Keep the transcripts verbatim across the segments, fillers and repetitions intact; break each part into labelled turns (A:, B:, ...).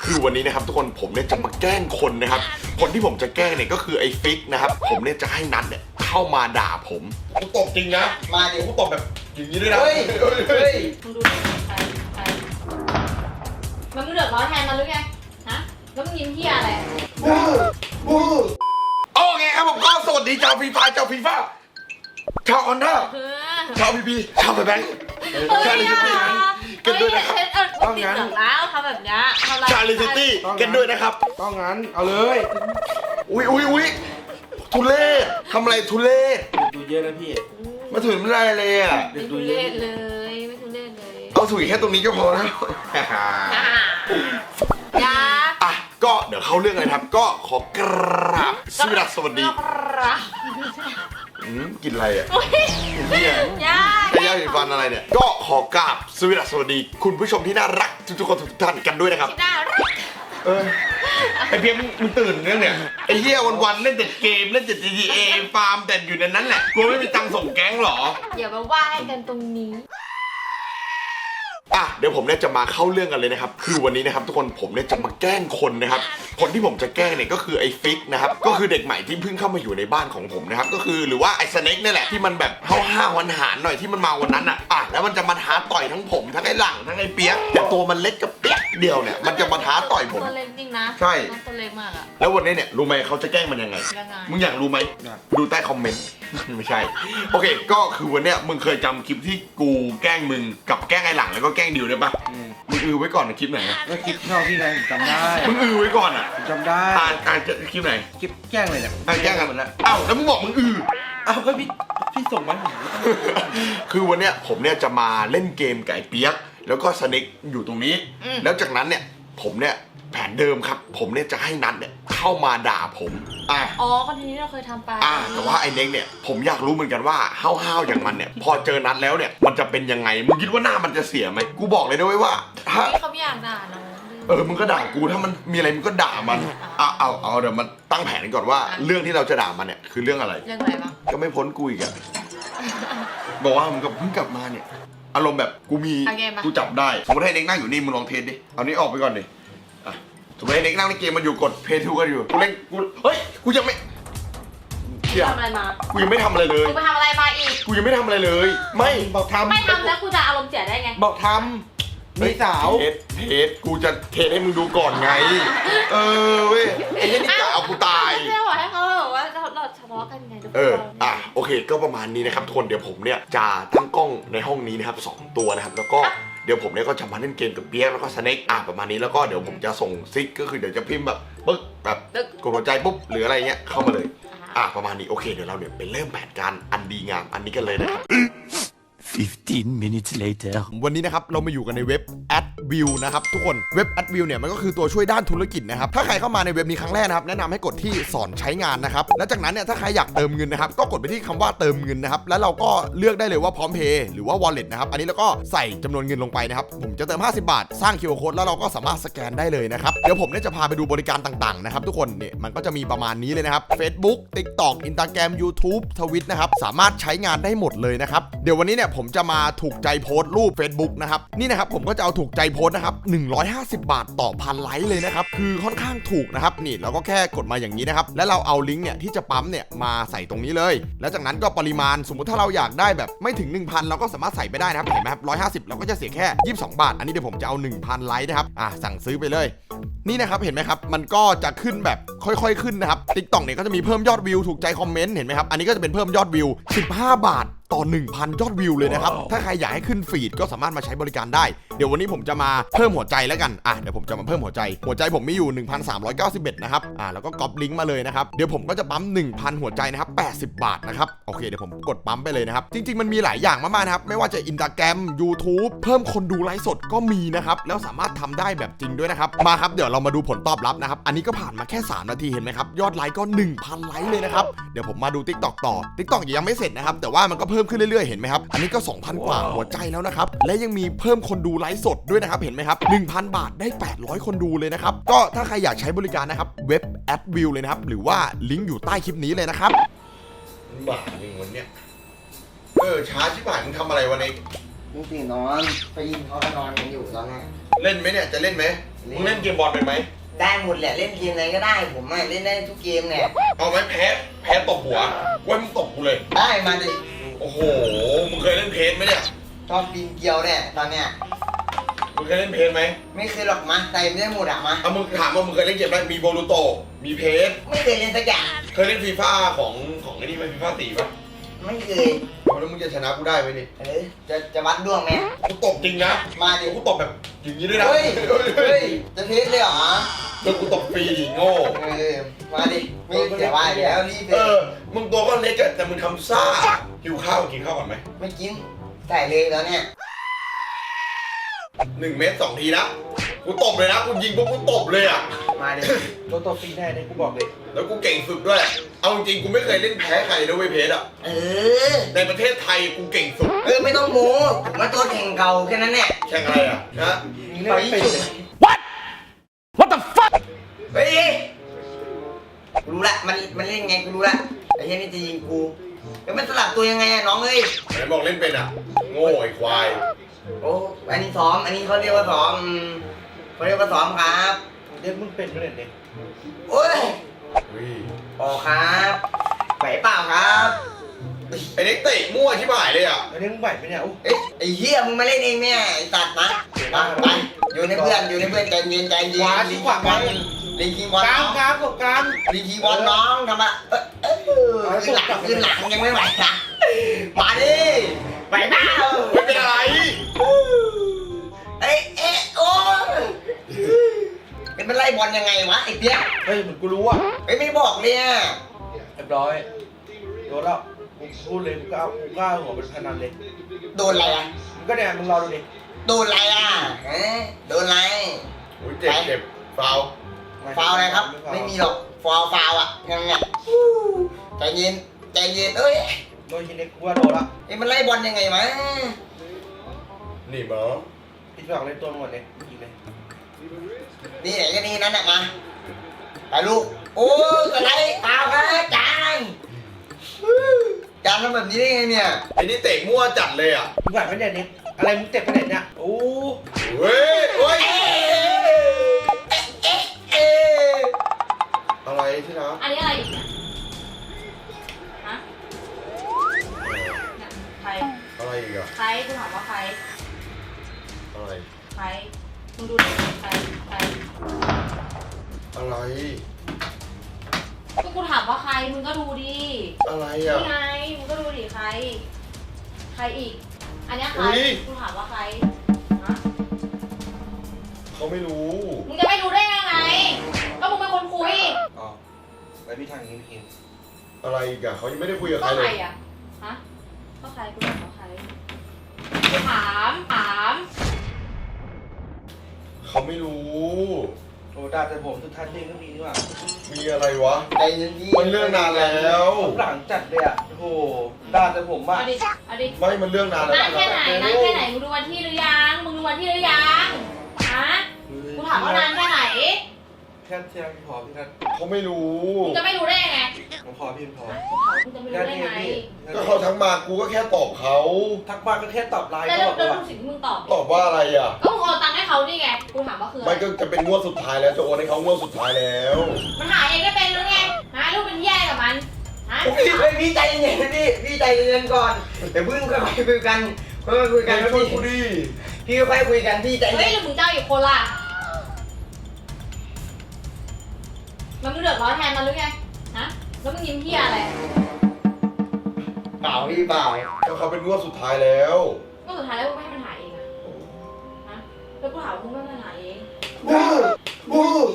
A: คือวันนี้นะครับทุกคนผมเนี่ยจะมาแกล้งคนนะครับคนที่ผมจะแกล้งเนี่ยก็คือไอ้ฟิกนะครับผมเนี่ยจะให้นัทเนี่ยเข้ามาด่าผมกูตบจริงนะมาดิกูตบแบบอย่างนี้ด้วยนะเฮ้ยเฮ้ย
B: มึงดูใครใครมันมึงเดือดร้อนแทนมันหรือไงฮะแล้วมึงยิ้มเหี้ยอะไร
A: บูบูโอเคครับผมก็สวัสดีชาวฟีฟ่าชาวฟีฟ่าชาวออนด้าชาวพีพีชาวแบงค์ชาวลิซิตี้กันด้วยนะครับ
B: ต้องงั้นแล้วทำแบบนี้
A: ชาวลิซิตี้กันด้วยนะครับ
C: ต้องงั้นเอาเลย
A: อุ้ยอุ้ยอุ้ยทุเล่ทำอะไรทุเล่
C: ดูเยอะนะพี่
A: มาถึงไม่ได้เลยอ่ะ
B: ไม่ทุเรศเลยไม่ทุเรศเลย
A: เอาถุยแค่ตรงนี้ก็พอแล้ว
B: ยา
A: อ่ะก็เดี๋ยวเข้าเรื่องเลยครับ ก็ขอกราบสวัสดีอืมกินอะไรอ่ะกินเหี้ย
B: ยา
A: ใช้ยาสีฟันอะไรเนี่ยก็ขอกราบสวัสดีคุณผู้ชมที่น่ารักทุกๆคนทุกท่านกันด้วยนะครับ
B: น่ารัก
A: เออไอเพียมมึงตื่นเรื่องเนี่ยไอเหี้ยวันๆเล่นแต่เกมเล่นแต่ จี ที เอ ฟาร์มแต่อยู่ในนั้นแหละกลัวไม่มีตังค์ส่งแก๊งหรอ
B: อย่ามาว่าให้กันตรงนี้
A: อ่ะเดี๋ยวผมเนี่ยจะมาเข้าเรื่องกันเลยนะครับคือวันนี้นะครับทุกคนผมเนี่ยจะมาแกล้งคนนะครับคนที่ผมจะแกล้งเนี่ยก็คือไอ้ฟิกนะครับก็คือเด็กใหม่ที่เพิ่งเข้ามาอยู่ในบ้านของผมนะครับก็คือหรือว่าไอ้สเน็กนี่แหละที่มันแบบห้าวๆวันหารหน่อยที่มันมาวันนั้นอ่ะอ่ะแล้วมันจะมาท้าต่อยทั้งผมทั้งไอ้หลังทั้งไอ้เปี๊ยกแต่ตัวมันเล็กกับเปี๊ยกเดียวเนี่ยมันจะมาท้าต่อยผม
B: ตัวเล็กจริงนะ
A: ใช่
B: ตัวเล็กมากอะ
A: แล้ววันนี้เนี่ยรู้ไหมเขาจะแกล้งมันยังไง
B: ยังไง
A: มึงอยากรู้ไหมดูใต้คอมเมนต์ ไม่ใช่ โอเค ก็คือวันเนี้ยมึงเคยจำคลิปที่กูแกล้งมึงกับแกล้งไอ้หลังแล้วก็แกล้งดิวได้ปะมึงอือไว้ก่อนนะคลิปไหนอะ
C: ก็คลิปเท่าที่ไงผมจำได้
A: มึงอือไว้ก่อนอ่ะ
C: ผมจำได้
A: อ่านอ่านจะคลิปไหน
C: คลิปแกล้งเลยเนี่ย
A: อ่านแกล้งกัน
C: หมดแล้ว
A: อ้าวแล้วมึงบอกมึงอือ
C: อ้าวก็พี่พี่ส่งมาผมก็ต้องดูก่อน
A: คือวันเนี้ยผมเนี่ยจะมาเล่นเกมไก่เปี๊ยกแล้วก็สเน็กอยู่ตรงนี้ แล้วจากนั้นเนี่ยผมเนี่ยแผนเดิมครับ ผมเนี่ยจะให้นัทเนี่ยเข้ามาด่าผมอ่ะ
B: อ๋อคอนเทนต์ที่เราเคยทำไป
A: อ่าแต่ว่าไอ้เน็กเนี่ยผมอยากรู้เหมือนกันว่าห้าวๆอย่างมันเนี่ยพอเจอนัดแล้วเนี่ยมันจะเป็นยังไงมึงคิดว่าหน้ามันจะเสียไหมกูบอกเลยนะเว้ยว่าถ้า
B: นี่เขาไม่อยากด่าน้อง
A: เออมึงก็ด่ากูถ้ามันมีอะไรมึงก็ด่ามันเอาเอาเอาเดี๋ยวมันตั้งแผนกันก่อนว่าเรื่องที่เราจะด่ามันเนี่ยคือเรื่องอะไร
B: เรื่องอะไรบ้าง
A: ก็ไม่พ้นกูอีกอะบอกว่ามึงก็เพิ่งกลับมาเนี่ยอารมณ์แบบกูมีกูจับได้สมมติให้เน็กนั่งอยู่นี่มึงลองเทสดิเอานี้ออกไปก่อนดิอ่ะสมมติให้เน็กนั่งในเกมมันอยู่กดเพย์ทูกันอยู่กูเล่นกูเฮ้ยกูยังไม่
B: ทำอะไรมา
A: กูยังไม่ทำอะไรเลย
B: กูไปทำอะไรมาอีก
A: กูยังไม่ทำอะไรเลย ไม่
C: บอกทำ
B: ไม่ทำแล้วกูจะอารมณ์เสียได้ไง
C: บอกทำมีสาว
A: เทสเทสกูจะเทสให้มึงดูก่อนไง เออเว้ยไอ้เนี่ยนี่กะเอากูตาย
B: ไม่ได้บอกให้เขาแบบว่าเราเราทะเลาะกันไงทุกคน
A: เออ อ่ะ โอเค ก็ประมาณนี้นะครับทุกคน เดี๋ยวผมเนี่ยจะตั้งกล้องในห้องนี้นะครับสองตัวนะครับ แล้วก็เดี๋ยวผมเนี่ยก็จะมาเล่นเกมกับเปี๊ยกแล้วก็สเน็กอ่ะประมาณนี้ แล้วก็เดี๋ยวผมจะส่งซิก ก็คือเดี๋ยวจะพิมพ์แบบปึ๊กแบบกดหัวใจปุ๊บ หรืออะไรเงี้ย เข้ามาเลย อ่ะประมาณนี้ โอเค เดี๋ยวเราเนี่ยไปเริ่มแผนการอันดีงามอันนี้กันเลยนะครับ
D: fifteen minutes later
A: วันนี้นะครับเรามาอยู่กันในเว็บ AdView นะครับทุกคนเว็บ AdView เนี่ยมันก็คือตัวช่วยด้านธุรกิจนะครับถ้าใครเข้ามาในเว็บนี้ครั้งแรกนะครับแนะนำให้กดที่สอนใช้งานนะครับแล้วจากนั้นเนี่ยถ้าใครอยากเติมเงินนะครับก็กดไปที่คำว่าเติมเงินนะครับแล้วเราก็เลือกได้เลยว่าพร้อมเพย์หรือว่า Wallet นะครับอันนี้เราก็ใส่จำนวนเงินลงไปนะครับผมจะเติมห้าสิบบาทสร้าง คิว อาร์ Code แล้วเราก็สามารถสแกนได้เลยนะครับเดี๋ยวผมเนี่ยจะพาไปดูบริการต่างๆนะครับทุกคนเนี่ยมันก็จะมีประมาณนี้เลยนะครับ Facebook TikTok Instagram YouTube Twitch นะครับสามารถใช้งานได้หมดเลยนะครับเดี๋ยววันนี้เนี่ยผมจะมาถูกใจโพสต์รูป Facebook นะครับนี่นะครับผมก็จะเอาถูกใจโพสต์นะครับหนึ่งร้อยห้าสิบบาทต่อพันไลค์เลยนะครับคือค่อนข้างถูกนะครับนี่เราก็แค่กดมาอย่างนี้นะครับแล้วเราเอาลิงก์เนี่ยที่จะปั๊มเนี่ยมาใส่ตรงนี้เลยแล้วจากนั้นก็ปริมาณสมมุติถ้าเราอยากได้แบบไม่ถึง หนึ่งพัน เราก็สามารถใส่ไปได้นะครับเห็นไหมครับหนึ่งร้อยห้าสิบเราก็จะเสียแค่ยี่สิบสองบาทอันนี้เดี๋ยวผมจะเอา หนึ่งพัน ไลค์นะครับอ่ะสั่งซื้อไปเลยนี่นะครับเห็นไหมครับมันก็จะขึ้นแบบค่อยๆขึ้นนะครับ TikTok เนี่ยก็จะมีเพิ่มยอดวิวถูกใจคอมเมนต์เห็นไหมครับอันนี้ก็จะเป็นเพิ่มยอดวิวสิบห้าบาทต่อ หนึ่งพัน ยอดวิวเลยนะครับถ้าใครอยากให้ขึ้นฟีดก็สามารถมาใช้บริการได้เดี๋ยววันนี้ผมจะมาเพิ่มหัวใจแล้วกันอ่ะเดี๋ยวผมจะมาเพิ่มหัวใจหัวใจผมมีอยู่ หนึ่งพันสามร้อยเก้าสิบเอ็ด นะครับอ่ะแล้วก็ก๊อปลิงก์มาเลยนะครับเดี๋ยวผมก็จะปั๊ม หนึ่งพัน หัวใจนะครับแปดสิบบาทนะครับโอเคเดี๋ยวผมกดปั๊มไปเลยนะครับจริงๆมันมีหลายอย่างมากๆนะครับไม่ว่าจะ Instagram YouTube เพิ่มคนดูไลฟ์สดก็มีนะครับแล้วสามารถทำได้แบบจริงด้วยนะครับมาครับเดี๋ยวเรามาดูผลตอบรับนะครับอันนี้ก็ผ่านมาแค่สามนาทีเห็นไหมครับยอดไลค์ก็ หนึ่งพัน ไลค์เลยนะครับเดี๋ยวผมมาดู TikTok ต่อ TikTok ยังไม่เสร็จนะครับแต่ว่ามันก็เพิ่มขึ้นเรื่อยๆเห็นไหมครับอันนี้ก็ สองพัน กว่าหัวใจแล้วนะครับและยังมีเพิ่มคนดูไลฟ์สดด้วยนะครับเห็นไหมครับ หนึ่งพัน บาทได้แปดร้อยคนดูเลยนะครับก็ถ้าใครอยากใช้บริการนะครับเว็บ AdView เลยนะครับหรือว่าลิงก์อยู่ใต้คลิปนี้เลยนะครับบ้าจริงวันเนี้ยเออช้าชิบหายมึงทำอะไรวันนี้
C: จริงๆนอนไปยินเขาก็นอนกันอยู่ตอนนี้
A: เล่นไหมเนี่ยจะเล่นไหมมึงเล่นเกมบอลเป็นไหม
E: ได้หมดแหละเล่นเกมไหนก็ได้ผมอะเล่นได้ทุกเกมเนี่ย
A: เอาไหมแพ้แพ้ตบหัวไว้มึงตบกูเลย
E: ได้มาดิ
A: โอ้โหมึงเคยเล่นเพจไหมเนี่ย
E: ชอบปีนเกลียวเนี่ยตอนเนี้ย
A: มึงเคยเล่นเพจไหม
E: ไม่เคยหรอกมาใส่ไม่ได้หมดอะมา
A: เอามึงถามว่ามึงเคยเล่นเกมอะไรมีโบลูโตมีเพจ
E: ไม่เคยเล่นสักอย่าง
A: เคยเล่นฟีฟ่าของของไอ้นี่ไหมฟีฟ่าตีป่ะ
E: ไม่เคย
A: เอาแล้วมึงจะชนะกูได้ไหมนี่
E: เออจะจะวัดดวงไหม
A: กูตบจริงนะ
E: มาดิ
A: กูตบแบบอย่างนี้ด้วยนะ
E: เฮ้ยเฮ้ยจะเทสเลยเหรอ
A: แล้วกูตบฟรีโง่
E: เออมาดิไม่เสียว่าเดี๋ยวรีบเล
A: เอย อมึงตัวก็เล็กอะแต่มึงทำซ่าหิวข้าวกินข้าวก่อนไหม
E: ไม่กินใส่เลยแล้วเนี่ย
A: หนึ่งเมตรสองทีนะกูตบเลยนะกูยิงปุ๊บกูตบเลยอะ
E: มาดิ
C: ตัวตัวฟรีแน่เนี่ยกูบอกเลย
A: แล้วกูเก่งสุดด้วยเอาจริงๆกูไม่เคยเล่นแพ้ใครนะเว้ยเพจอะ
E: เออ
A: ในประเทศไทยกูเก่งสุด
E: เออไม่ต้องโม้ผมว่าตัวแข่งเก่าแค่นั้นเนี่ย
A: แข่งอะไรอะนะ
C: มึงเล่นไม่เป็นเลย
E: เฮ้ยกูรู้ละมันมันเล่นไงกูรู้ละไอ้เหี้ยนี่จะยิงกูแล้วมันสลับตัวยังไงอะน้องเอ้ย
A: ไหนบอกเล่นเป็นอะโง่ไอ้ควาย
E: โอ้อันนี้ซ้อมอันนี้เขาเรียกว่าซ้อมอืมเขาเรียกว่าซ้อมครับ
C: เล่นมึงเป็นไม่เล่นเนี่ย
E: โอ้ย
A: เฮ้ย
E: ออกครับไหวเปล่าครับ
A: ไอ้เด็กเตะมั่วชิบหายเลยอะ
C: อันนี้มึงไหวไหมเนี่ยโอ้
E: เอ้ยไอ้เหี้ยมึงมาเล่นเองเนี่ยไอ้สัตว์นะมาไปอยู่ในเพื่อนอยู่ในเพื่อนใจเย็นใจเย็น
C: ขวาชิ
E: ลิง
C: ขวา
E: คิงบอลลิงคิงบอล
C: กลาง
E: น้อง
C: กลางกบกลาง
E: ลิงคิงบอลน้องทำอะเออเออขึ้นหลังขึ้นหลังยังไม่ไหวนะมาดิไหวเปล่า
A: ไม่เป็นอะไร
E: เอ๊ะเอ๊ะโอ้เป็นไล่บอลยังไงวะไอ้เปี๊ยก
C: เฮ้ยเหมือนกูรู้อ่ะ
E: ไอ้ไม่บอกเนี่ย
C: เรียบร้อยโดนแล้วกูพูดเลยกูก็เอากูก็เอาหัวเป็นพนันเลย
E: โดนอะไรอ่ะ
C: มึงก็เนี่ยมึงรอดูดิ
E: โดนอะไรอ่ะฮะโดนอะไร
A: โอ้ยเจ็บเจ็บฟาว
E: ฟาวอะไรครับ ไม่มีหรอกฟาวฟาวอ่ะยังไงใจเย็นใจเย็นเอ้ย
C: โดนยิงเล็กกูว่าโดนละ
E: ไอ้มันไล่บอลยังไงวะ
A: นี่บอ
C: พี่สองเล่นตัวหมดเลยยิงเลย
E: นี่ไหนก็นี่นั่นน่ะมาไปลูกโอ้กระไรฟาวครับจานจานทำแบบนี้ได้ไงเนี่ย
A: ไอ้นี่เตะมั่วจัดเลยอ่ะ
C: มึงไหวไหมเนี่ยเนี่ยอะไรมึงเจ็บไปไหนเนี่ยโอ้
A: เฮ้ยเฮ้ย
E: เอ๊ะเอ๊ะเอ๊ะ
A: อะไรที่รัก
B: อันนี้อะไรอีกเนี่ยฮะเนี่ยใคร
A: อะไรอีกอะ
B: ใครกูถามว่าใคร
A: อะไร
B: ใครมึงดูดิใครใคร
A: อะไร
B: ก็กูถามว่าใครมึงก็ดูดิ
A: อะไรอ่ะ
B: นี่ไงมึงก็ดูดิใคร ใครอีก อันเนี้ยใคร
A: อุ๊ย
B: กูถามว่าใครฮะ
A: เขาไม่รู้
B: มึงจะไม่รู้ได้ยังไง ก็มึงเป็นคนคุย
C: อ๋อไปพี่ทางนี้พี่กิน
A: อะไรอีกอะเขายังไม่ได้คุยกับ
B: ก็
A: ใคร
B: ใค
A: เล
B: ร
A: ย
B: อ่ะ ฮะ ก็ใครกูถามว่าใครกูถามถาม
A: เขาไม่รู้
C: โอ้ด่าแต่ผมสุดท้ายเองก็มีนี่หว่า
A: มีอะไรวะ
E: ใจเย็นดี
A: มันเรื่องนานแล้ว
C: หลังจัดเลยอ่ะโอ้โหด่าแต่ผมอ่ะ
B: เอาดิเอาดิ
A: ไม่มันเรื่องนานแล้ว
B: นานแค่ไหนนานแค่ไหนมึงดูวันที่หรือยังมึงดูวันที่หรือยังฮะกูถามว่านานแค่ไหน
C: แค่เที่ยงพอพี่นัท
A: เขาไม่รู้
B: มึงจะไม่รู้ได้ยังไง
C: ผมพอพี่พอ
B: กูถามมึงจะไม่รู้ได้ไง
A: ก็เขาทั้งมากูก็แค่ตอบเขา
C: ทักมาก็แค่ตอบไลน์
B: แต่
C: ก็
B: เรื่
C: บ
B: อ
C: อง ก
B: เรื่
C: ว่า
B: องสิ่งที่มึงตอบ
A: ตอบว่าอะไรอ่ะ
B: ก็มึงโอนตังค์ให้เขานี่ไงกูถามว่าคืออะไร
A: ไม่ก็จะเป็นงวดสุดท้ายแล้วจะโอนให้เขางวดสุดท้ายแล้ว
B: มันหาเองก็เป็นหรือไงหาลูกเป็นแย่กับมันฮะ
E: พี่เฮ้ยพี่ใจเย็นพี่พี่ใจเย็นก่อนเดี๋ยวเพิ่งค่อยๆคุยกันค่อยๆคุยกัน
A: ช่วย
E: พี่
A: กูดิ
E: พี่ค่อยๆคุยกันพี่ใจ
B: เฮ้
E: เย็
B: ย
E: น
B: หรือมึงเจ้าอีกคนล่ะมันมึงเดือดร้อนแทนมันหรือไงฮะแล้วมึงยิ้มเหี้ยอะไร
E: เปล่าพี่เปล่า
A: ก็เขาเป็นงวดสุดท้ายแล้ว
B: ก็สุดท้ายแล้วมึงไม่ให้มันหาเองอะฮะแล้วกูถามว่ามึงไม่ให้มันหาเอง
E: บูบู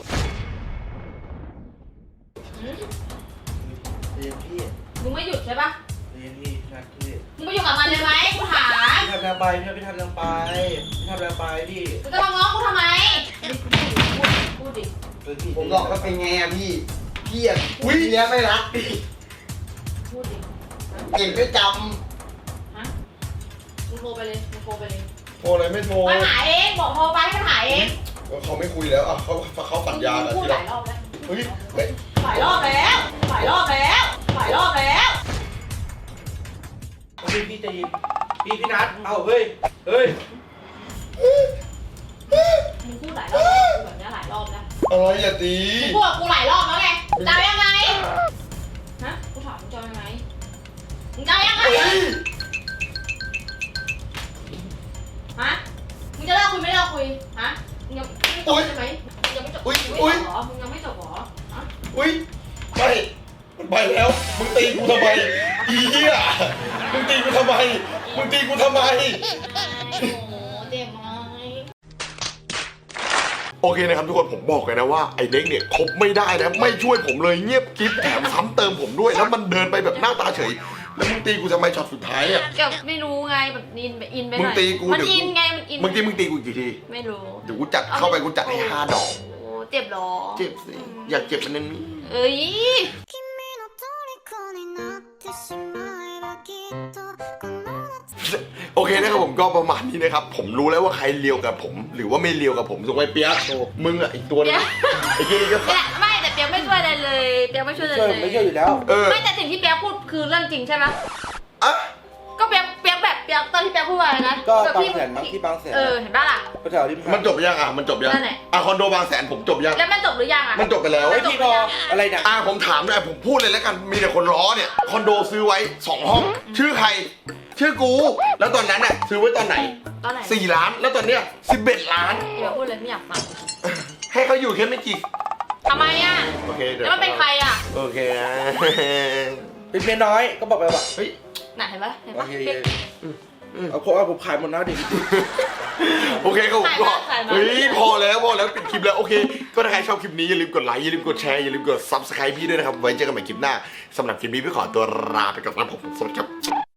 B: หืม
C: เรียนพี่
B: มึงไม่หยุดใช่ปะ
C: เรียนพี่นัทพี่
B: มึงไปอยู่กับมันเลยไหมกูถาม
C: พี่ทำแรงไปพี่พี่ทำแรงไปพี่ทำแรงไปพี่
B: มึงจะมาง้อกูทำไมพูดดิ
C: เออพี่
E: ผมบอกว่าเป็นไงอะพี่พี่อะอุ้ยเนี้ยไม่รักพี่
B: พูดดิ
E: เก่งไม่จ
B: ฮะมึงโทรไปเลยมึงโทรไปเลย
A: โทรอะไรไม่โทร
B: มันหาเองบอกโทรไปให้มันหาเอง
A: ก็เขาไม่คุยแล้วอ่ะเขาเขาสัญญากัน
B: พูด
A: ที่
B: ห
A: เรา
B: ลายรอบแล้ว
A: เฮ้ยเฮ้ย
B: หลายรอบแล้วหลายรอบแล้วหลายรอบแล้ว
C: พี่พี่จะยินพี่พี่นัทเอาเฮ้ยเฮ้ย
B: มึงพูดหลายรอบแบบนี้หลายรอบแล้ว
A: อะไรอย่าตี
B: มึงพูดกับกูหลายรอบแล้วไงจะเอายังไงฮะกูถามมึงจะเอายังไงมึงจะเอายังไงฮะมึงจะเลิกคุยไม่เลิกคุยฮะมึงยังไม่จบใช่ไหมมึงยังไม่จบ
A: อุ๊ย
B: มึง
A: อุ๊
B: ไม่
A: ย
B: จบเหรอมึงยังไม่จบเหรอฮะ
A: อุ้ยไปมันไปแล้ว มึงตีกูทำไมอีเหี้ยมึงตีกูทำไมมึงตีกูทำไม
B: โอ้โหเจ็บไหม
A: โอเคนะครับทุกคนผมบอกเลยนะว่าไอ้เด็กเนี่ยคบไม่ได้นะไม่ช่วยผมเลยเงียบกิ๊บแถมซ้ำเติมผมด้วยแล้วมันเดินไปแบบหน้าตาเฉยแล้วมึงตีกูทำไมช็อตสุดท้ายอ่ะ
B: แบบไม่รู้ไงแบบอินไปอินไปหน่อย
A: มึงตีกู
B: มัน
A: เดี๋ยว
B: อินไงมันอิน
A: มึงตีมึงตีกูกี่ที
B: ไม่รู้
A: เดี๋ยวกูจัดเข้าไปกูจัดให้ห้าดอก
B: โอ้เจ็บเหรอ
A: เจ็บสิอยากเจ็บมันนั้นนี่
B: เอ้ย
F: 君の虜になってしまえばきっとこの夏
A: โอเคนะครับผมก็ประมาณนี้นะครับผมรู้แล้วว่าใครเลียวกับผม หรือว่าไม่เลียวกับผมถูกไหมเปียกมึงอ่ะอีกตัวนึงไอ้เหี้ยก็
B: เนี่ยไม่แต่เปียกไม่ช่วยอะไรเลยเปียกไม่ช่วยอะไร
C: ช่วย
B: เลย
C: ไม่ช่วยอยู่แล้ว
A: เออ
B: ไม่แต่สิ่งที่เปียกพูดคือเรื่องจริงใช่ไหม
A: อ่ะ
B: ก็เปียกเปียกแบบเปียกตอนที่เปียกพูดว่าอะไรนะ
C: ก็
B: แบบ
C: บาง
B: พี่
C: แสนมั้งที่บางแสน
B: เออเห็นปะล่ะ
C: ก็แถวที่
A: มันจบยังอ่ะมันจบยัง
B: นั่นแหละ
A: อ่ะคอนโดบางแสนผมจบยัง
B: แล้วมันจบหรือยังอ่ะ
A: มันจบไปแล้ว
C: ไอ้พี่พออะไรเนี่ย
A: อ่ะผมถามหน่อยผมพูดเลยแล้วกันมีแต่คนล้อเนี่ยคอนโดซื้อไว้สองห้อง ชื่อใคร ชื่อกู แล้วตอนนั้นน่ะซื้อไว้ตอนไหน
B: ตอนไหน
A: สี่ล้านแล้วตอนเนี้ยสิบเอ็ดล้าน
B: เดี๋ยวพูดเลยไม่อยากฟัง
A: ให้เขาอยู่แค่ไม่กี่
B: ทำไมอ่ะ
A: โอเคเดี๋ยว
B: แล้วมันเป็นใครอ่ะ
A: โอเคนะ
C: เป็นเมียน้อยก็บอกไปว่า
A: เฮ้ย
B: น่ะเห็นปะเห็น
C: โอ
B: ปะ
C: เค
B: เปียก
C: เอาผมเอาผมขายหมดแล้วดิ
A: โอเคครับผมก็
B: ถ่ายมาถ่ายมา
A: เฮ้ยพอแล้วพอแล้วปิดคลิปแล้วโอเค ก็ถ้าใครชอบคลิปนี้อย่าลืมกดไลค์อย่าลืมกดแชร์อย่าลืมกด ซับสไครบ์ พี่ด้วยนะครับไว้เจอกันใหม่คลิปหน้าสำหรับคลิปนี้พี่ขอตัวลาไปก่อนนะครับผมสวัสดีครับ